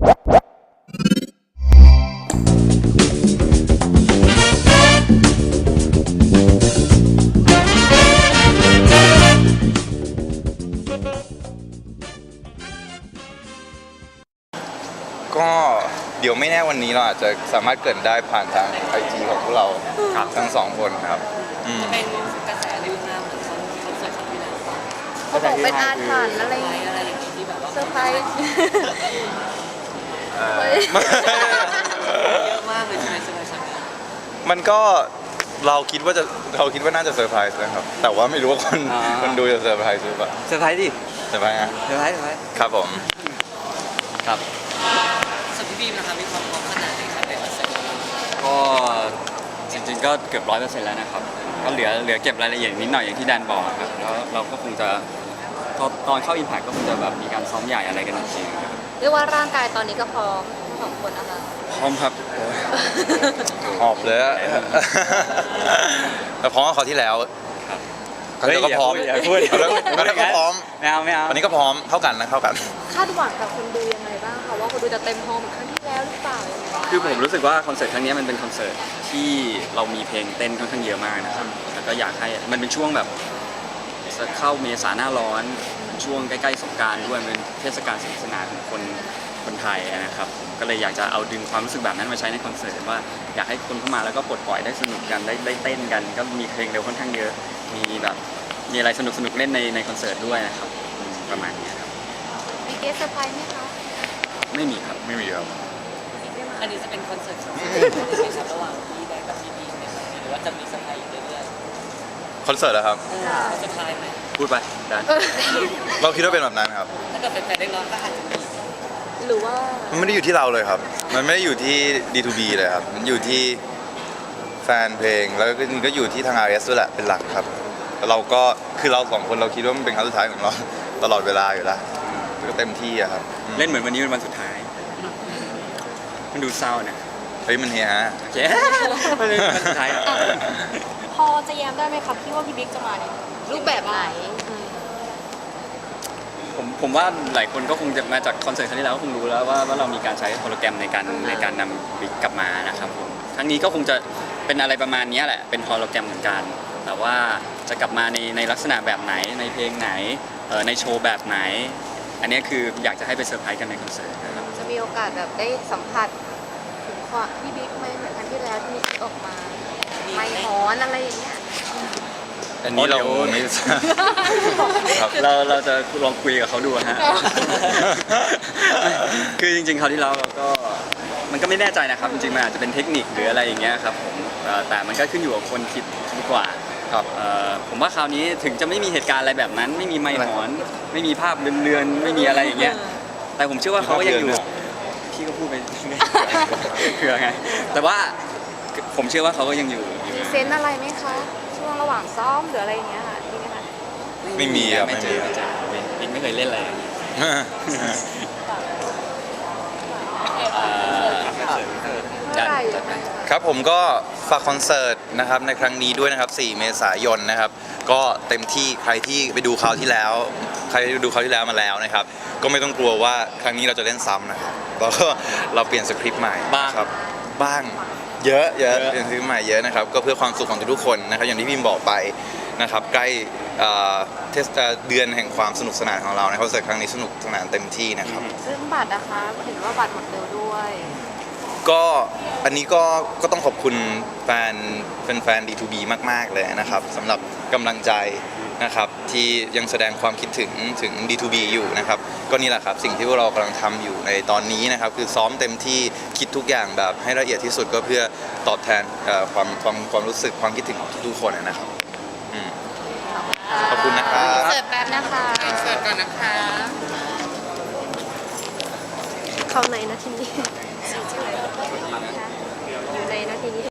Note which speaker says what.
Speaker 1: ก็เดี๋ยวไม่แน่วันนี้เราอาจจะสามารถเกิดได้ผ่านทาง IG ของพวกเราทั้ง2 คนครับ
Speaker 2: จะเป็นกระแสในยุคนั้นเหมือนเขาเสิร์ฟที่แล้ว
Speaker 3: เขาบอกเป็นอาถรรพ์อะไร
Speaker 2: อะไรอย่างนี้ที่แบบว่า
Speaker 3: เซอร์ไพรส์
Speaker 2: เยอะมากเลยใช่ไหมครั้งนี้
Speaker 1: มันก็เราคิดว่าน่าจะเซอร์ไพรส์นะครับแต่ว่าไม่รู้ว่าคนดูจะเซอร์ไพรส์หรือเปล่า
Speaker 4: เซอร์ไพรส์ดิ
Speaker 1: เซอร์ไพรส์นะ
Speaker 4: เซอร์ไพรส์
Speaker 1: ครับผม
Speaker 4: ครับ
Speaker 2: ส่วนพี่บีมนะคะมีความพร้อมขนาดไหนครับในคอนเสิร์ต
Speaker 4: ก็จริงๆก็เกือบ100%แล้วนะครับก็เหลือเก็บรายละเอียดนิดหน่อยอย่างที่แดนบอกครับแล้วเราก็คงจะตอนเข้าอิมแพคก็คงจะแบบมีการซ้อมใหญ่อะไรกันจริงๆครับ
Speaker 3: เรียกว่าร่างกายตอนนี้ก็พร้อมของคนนะคะ
Speaker 4: พร้อมครับ
Speaker 1: หอบเลยอะแต่พร้อมกว่าคราวที่แล้วคราวที่แล้วก็พร้อม
Speaker 4: อย่าพูด
Speaker 1: คราวที่แล้วก็พร้อม
Speaker 4: ไม่เอา
Speaker 1: วันนี้ก็พร้อมเท่ากันนะเท่ากัน
Speaker 3: คาดหวังกับคนดูยังไงบ้างคะว่าคนดูจะเต็มฮอลล์เหมือนครั้งที่แล้วหรือเปล่ายังไง
Speaker 4: คือผมรู้สึกว่าคอนเสิร์ตครั้งนี้มันเป็นคอนเสิร์ตที่เรามีเพลงเต้นค่อนข้างเยอะมากนะครับแล้วก็อยากให้มันเป็นช่วงแบบจะเข้าเมษาหน้าร้อนช่วงใกล้ๆสงกรานต์ด้วยมันเป็นเทศกาลสนุกสนานของคนไทยนะครับก็เลยอยากจะเอาดึงความรู้สึกแบบนั้นมาใช้ในคอนเสิร์ตว่าอยากให้คนเข้ามาแล้วก็ปลดปล่อยได้สนุกกันได้เต้นกันก็มีเพลงเร็วค่อนข้างเยอะมีอะไรสนุกเล่นในคอนเสิร์ตด้วยนะครับประมาณนี้ครับ
Speaker 3: มีเกสเซอร์ไพรส์ไหมคะ
Speaker 4: ไม่มีครับ
Speaker 1: ไม่มีครับ
Speaker 2: อันนี้จะเป็นคอนเสิร์ตของที่ครับระหว่างพี่แดนกับพี่บีมในครั้งนี้หรือว่าจะมีเซอร์ไพรส์อยู่เรื่อย
Speaker 1: คอนเสิร์ตเหรอครับ
Speaker 2: ๆเซอร์ไพรส์ไหม
Speaker 4: พูดไปดัน
Speaker 1: เราคิดว่าเป็นแบบนั้นครับ
Speaker 2: ถ้าเกิดแฟนๆได้ร้องก็อาจจะมี
Speaker 3: หรือว่า
Speaker 1: มันไม่ได้อยู่ที่เราเลยครับ มันไม่ได้อยู่ที่ D2B เลยครับ มันอยู่ที่แฟนเพลง แล้วก็อยู่ที่ทาง RS ด้วยแหละ เป็นหลักครับแล้วเราก็คือเรา2 คนเราคิดว่ามันเป็นครั้งสุดท้ายของเราตลอดเวลาอยู่แล้วก็เต็มที่อะครับ
Speaker 4: เล่นเหมือนวันนี้เป็นวันสุดท้าย มันดูเศร้านะ
Speaker 1: เฮ้ยมันเฮียฮะ
Speaker 4: โอเคมันเป็นวันสุดท้าย
Speaker 3: พอจะแย้มได้ไหมครับที่ว่าพี่บิ๊กจะมาในรูปแบบไหน
Speaker 4: ผมว่าหลายคนก็คงจะมาจากคอนเสิร์ตครั้งที่แล้วก็คงรู้แล้วว่าเรามีการใช้โฮโลแกรมในการนำบิ๊กกลับมานะครับผมครั้งนี้ก็คงจะเป็นอะไรประมาณนี้แหละเป็นโฮโลแกรมเหมือนกัน แต่ว่าจะกลับมาในลักษณะแบบไหนในเพลงไหนในโชว์แบบไหน อันนี้คืออยากจะให้ไปเซอร์ไพรส์กันในคอนเสิร์ตนะครับ
Speaker 3: จะมีโอกาสแบบได้สัมผัสถึงความพี่บิ๊กไหมเหมือนครั้งที่แล้วที่มีคลิปออกมาไม่ฮอนอะไรอย่างเงี้ย
Speaker 1: อันนี้เราไม่ทราบครับ
Speaker 4: เราจะลองคุยกับเขาดูฮะ คือจริงๆคราวที่แล้วเราก็มันก็ไม่แน่ใจนะครับจริงๆมันอาจจะเป็นเทคนิคหรืออะไรอย่างเงี้ยครับผมแต่มันก็ขึ้นอยู่กับคนคิดดีกว่า
Speaker 1: ครับ
Speaker 4: ผมว่าคราวนี้ถึงจะไม่มีเหตุการณ์อะไรแบบนั้น ไม่มีไมค์หอนไม่มีภาพเรือนๆไม่มีอะไรอย่างเงี้ยแต่ผมเชื่อว่าเขาก็ยังอยู่พี่ก็พูดไปเผื่อไงแต่ว่าผมเชื่อว่าเขาก็ยังอยู่
Speaker 3: มีเซนส์อะไรไหมคะช่วงระหว่างซ้อมหรืออะไรอย่างเงี้ยค่ะมีไหมคะ
Speaker 1: ไม่มีครับ
Speaker 4: ไม่เจอบิ๊กไม่เคยเล่นอะไรอย่างเงี้ย
Speaker 3: เมื่อไหร่
Speaker 4: จัดไป
Speaker 1: ครับผมก็ฝากคอนเสิร์ตนะครับในครั้งนี้ด้วยนะครับ 4 เมษายนนะครับ ก็เต็มที่ใครที่ไปดูคราวที่แล้ว ใครดูคราวที่แล้วมาแล้วนะครับ ก็ไม่ต้องกลัวว่าครั้งนี้เราจะเล่นซ้ำนะครับแล้วก็เราเปลี่ยนสคริปต์ใหม่ครับบ้างเยอะเปลี่ยนสคริปต์ใหม่เยอะนะครับก็เพื่อความสุขของทุกๆคนนะครับอย่างที่พิมบอกไปนะครับใกล้เดือนแห่งความสนุกสนานของเราในคอนเสิร์ตครั้งนี้สนุกสนานเต็มที่นะครับ
Speaker 3: ซึ่งบัตรนะคะเห็นว่าบัตรหมดเร็วด้วย
Speaker 1: ก็อันนี้ก็ต้องขอบคุณแฟน D2B มากๆเลยนะครับสำหรับกำลังใจนะครับที่ยังแสดงความคิดถึง D2B อยู่นะครับก็นี่แหละครับสิ่งที่พวกเรากำลังทำอยู่ในตอนนี้นะครับคือซ้อมเต็มที่คิดทุกอย่างแบบให้ละเอียดที่สุดก็เพื่อตอบแทนความรู้สึกความคิดถึงของทุกๆคนนะครับขอบคุณนะครับ
Speaker 3: เสิร์ฟแป๊บนะคะ
Speaker 2: เสิร์ฟก่อนนะคะ
Speaker 3: เข้าในนาทีนี้อยู่ในนาทีนี้